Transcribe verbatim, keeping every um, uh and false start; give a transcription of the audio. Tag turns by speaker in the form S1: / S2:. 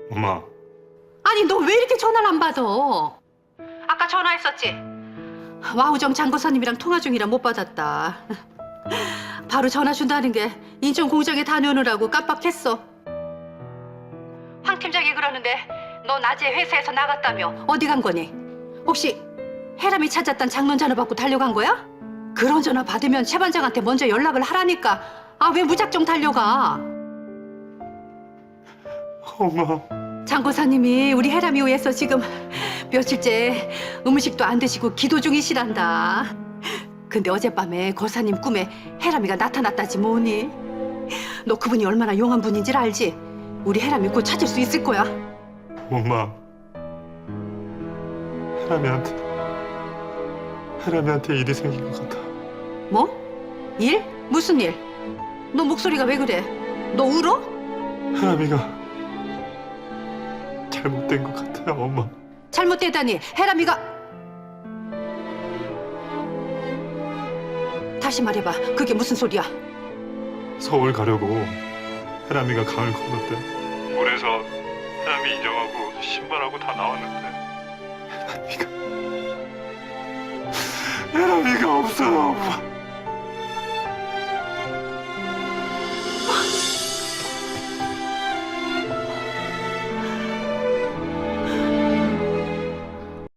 S1: 엄마.
S2: 아니 너 왜 이렇게 전화를 안 받아? 아까 전화했었지? 와우정 장고사님이랑 통화 중이라 못 받았다. 바로 전화 준다는 게 인천 공장에 다녀오느라고 깜빡했어. 황 팀장이 그러는데 너 낮에 회사에서 나갔다며 어디 간 거니? 혹시 해람이 찾았단 장론 전화 받고 달려간 거야? 그런 전화 받으면 최 반장한테 먼저 연락을 하라니까. 아 왜 무작정 달려가?
S1: 엄마.
S2: 장고사님이 우리 해람이 위해서 지금 며칠째 음식도 안 드시고 기도 중이시란다. 근데 어젯밤에 고사님 꿈에 해람이가 나타났다지 뭐니? 너 그분이 얼마나 용한 분인지 알지? 우리 해람이 곧 찾을 수 있을 거야.
S1: 엄마. 해람이한테 해람이한테 일이 생긴 것 같아.
S2: 뭐? 일? 무슨 일? 너 목소리가 왜 그래? 너 울어?
S1: 해람이가 잘못된 것 같아요, 엄마.
S2: 잘못되다니 해람이가... 다시 말해봐. 그게 무슨 소리야?
S1: 서울 가려고 해람이가 강을 건넜대. 물에서 해람이 인형하고 신발하고 다 나왔는데 해람이가 해람이가 없어요, 엄마.